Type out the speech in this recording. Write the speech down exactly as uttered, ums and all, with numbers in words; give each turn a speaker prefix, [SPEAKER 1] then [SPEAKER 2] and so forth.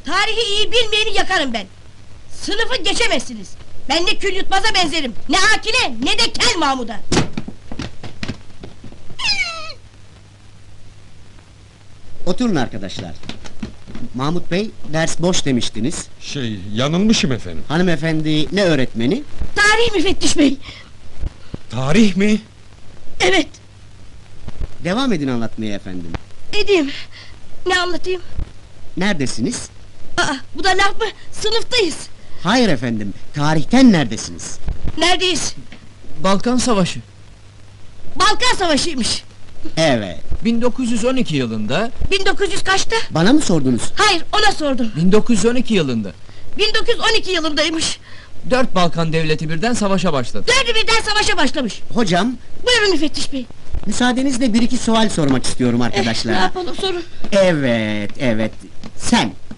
[SPEAKER 1] Tarihi iyi bilmeyeni yakarım ben. Sınıfı geçemezsiniz. Ben de kül yutmaza benzerim. Ne Akile ne de Kel Mahmud'a.
[SPEAKER 2] Oturun arkadaşlar. Mahmut Bey, ders boş demiştiniz.
[SPEAKER 3] Şey, yanılmışım efendim.
[SPEAKER 2] Hanımefendi ne öğretmeni?
[SPEAKER 1] Tarih müfettiş bey.
[SPEAKER 3] Tarih mi?
[SPEAKER 1] Evet,
[SPEAKER 2] Devam edin anlatmaya efendim.
[SPEAKER 1] edeyim. Ne anlatayım?
[SPEAKER 2] Neredesiniz?
[SPEAKER 1] Aa, bu da laf mı? Sınıftayız.
[SPEAKER 2] Hayır efendim, tarihten neredesiniz?
[SPEAKER 1] Neredeyiz?
[SPEAKER 4] Balkan Savaşı.
[SPEAKER 1] Balkan Savaşı'ymış.
[SPEAKER 2] Evet,
[SPEAKER 4] bin dokuz yüz on iki yılında,
[SPEAKER 1] bin dokuz yüz kaçta?
[SPEAKER 2] bana mı sordunuz?
[SPEAKER 1] Hayır, ona sordum.
[SPEAKER 4] bin dokuz yüz on iki yılında
[SPEAKER 1] bin dokuz yüz on iki yılındaymış.
[SPEAKER 4] dört Balkan devleti birden savaşa başladı.
[SPEAKER 1] Dördü birden savaşa başlamış.
[SPEAKER 2] Hocam,
[SPEAKER 1] Buyurun müfettiş bey.
[SPEAKER 2] müsaadenizle bir iki sual sormak istiyorum
[SPEAKER 1] Eh, ne
[SPEAKER 2] arkadaşlar.
[SPEAKER 1] yapalım sorun.
[SPEAKER 2] Evet, evet, sen,